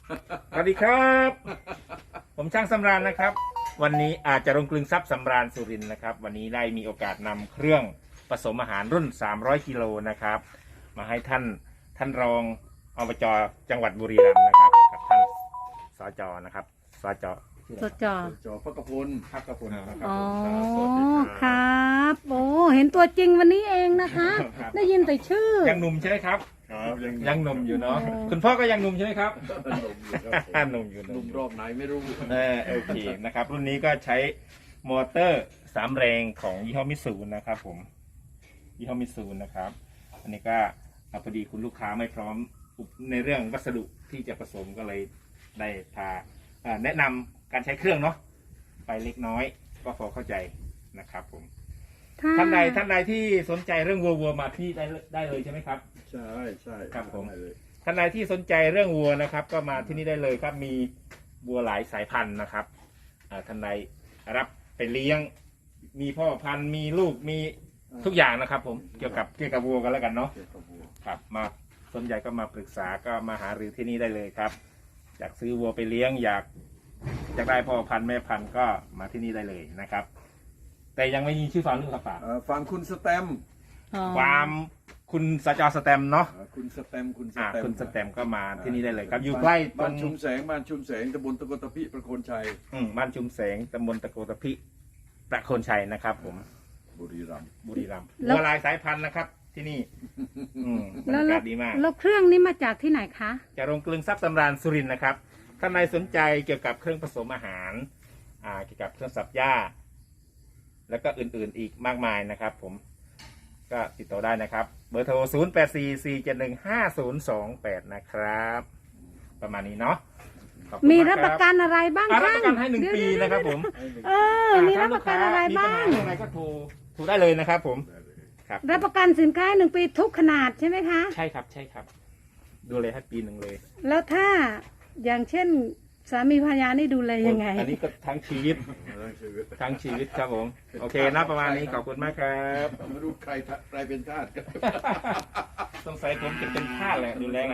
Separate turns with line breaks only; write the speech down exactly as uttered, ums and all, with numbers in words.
สวัสดีครับ ผมช่างสำราญนะครับ วันนี้อาจจะรงกลึงทรัพย์สำราญสุรินทร์นะครับ วันนี้ได้มีโอกาสนำเครื่องผสมอาหารรุ่นสามร้อยกิโลนะครับ มาให้ท่านท่านรองอบจจังหวัดบุรีรัมย์นะครับกับท่านสจนะครับสจ
สดจอ
จอพระกพล
พักกระพลนะครับ
อ๋อ
สวัสดี
ครับโอ้เห็นตัวจริงวันนี้เองนะคะ
ครับ
ได้ยินแต่ชื่อ
ยังหนุ่มใช่ไหมครับ
ครับยัง
ยังหนุ่มอยู่เนาะ
อ๋อ
คุณพ่อก็ยังหนุ่มใช่ไหมครับ
หนุ่มอยู่ครับผม
หนุ่มอยู่
หนุ่มรอบไหนไม่รู้
เออโอเคนะครับ รุ่นนี้ก็ใช้มอเตอร์สามแรงของยี่ห้อมิตซูนะครับผมยี่ห้อมิตซูนะครับ อันนี้ก็อ่ะพอดีคุณลูกค้าไม่พร้อมในเรื่องวัสดุที่จะผสมก็เลยได้พาอ่าแนะนำการใช้เครื่องเนาะไปเล็กน้อยก็พอเข้าใจนะครับผมท่านใดท่านใดที่สนใจเรื่องวัววัวมาที่ได้ได้เลยใช่ไหมครับ
ใช่ใช่
ครับผม
ได้เลย
ท่านใดที่สนใจเรื่องวัวนะครับ ก็มาที่นี่ได้เลยครับมีวัวหลายสายพันธุ์นะครับอ่าท่านใดรับไปเลี้ยง มีพ่อพันธุ์มีลูกมีทุกอย่างนะครับ ผมเกี่ยวกับเกี่ยวกับวัวกันแล้วกันเนาะ
เกี่ยวกับวัว
ครับมาสนใจก็มาปรึกษาก็มาหารือที่นี่ได้เลยครับ อยากซื้อวัวไปเลี้ยง อยากอยากได้พ่อพันธุ์แม่พันธุ์ก็มาที่นี่ได้เลยนะครับ แต่ยังไม่มีชื่อฟาร์มหรือเปล่าป่า
เอ่อฟังคุณสแตมป์
อ๋อ
ความคุณสจสแตมป์เนาะ
เอ่อคุณสแตมป์คุณส
อ่า
แตมป์
คุณสแตมป์ก็มาที่นี่ได้เลยครับ อยู่ใกล้ตร
บ้าน
ง
ชุมแสงบ้านชุมแสงตำบลตะกตะพิประโคนชัย
อืมบ้านชุมแสงตำบลตะโกตะพิประโคนชัยนะครับ ผม
บุรีรัมย์
บุรีรัมย์วัวลายสายพันธุ์นะครับ ที่นี่ อืมบรร
แล้ว
ยา
แล้
กาว ศดีมาก
แล้วเครื่องนี้มาจากที่ไหนคะ
จะโรงกลึงทรัพย์สำราญสุรินทร์นะครับท่านใดสนใจเกี่ยวกับเครื่องผสมอาหาร อ่า เกี่ยวกับเครื่องสับหญ้า แล้วก็อื่นๆอีกมากมายนะครับ ผม ก็ติดต่อได้นะครับ เบอร์โทร ศูนย์ แปด สี่ สี่ เจ็ด หนึ่ง ห้า ศูนย์ สอง แปด นะครับ ประมาณนี้เนาะขอบคุณ
มี
าก
รับประกันอะไรบ้าง
อ่ารับ
ช่าง
ประกันให้หนึ่งปีนะครับผม
เออ มีรับประกันอะไรบ้าง
มีปัญหอะไรก็โทรโทรได้เลยนะครับ ผม
ได้เลย
ครับ
รับประกันสินค้าหนึ่งปีทุกขนาดใช่ไหมคะ
ใช่ครับ ใช่ครับ ดูเลยให้ปีหนึ่งเลย
แล้วถ้าอย่างเช่นสามีภรรยานี่ดูแลยังไง
อันนี้ก็ทั้งชีวิต
เรื่องชีวิต
ทั้งชีวิตครับผม โอเคนะประมาณนี้ขอบคุณมากครับ
ไม่รู้ใครทะใครเป็นทาสกัน
สงสัยผมจะเป็นทาสแหละดูแล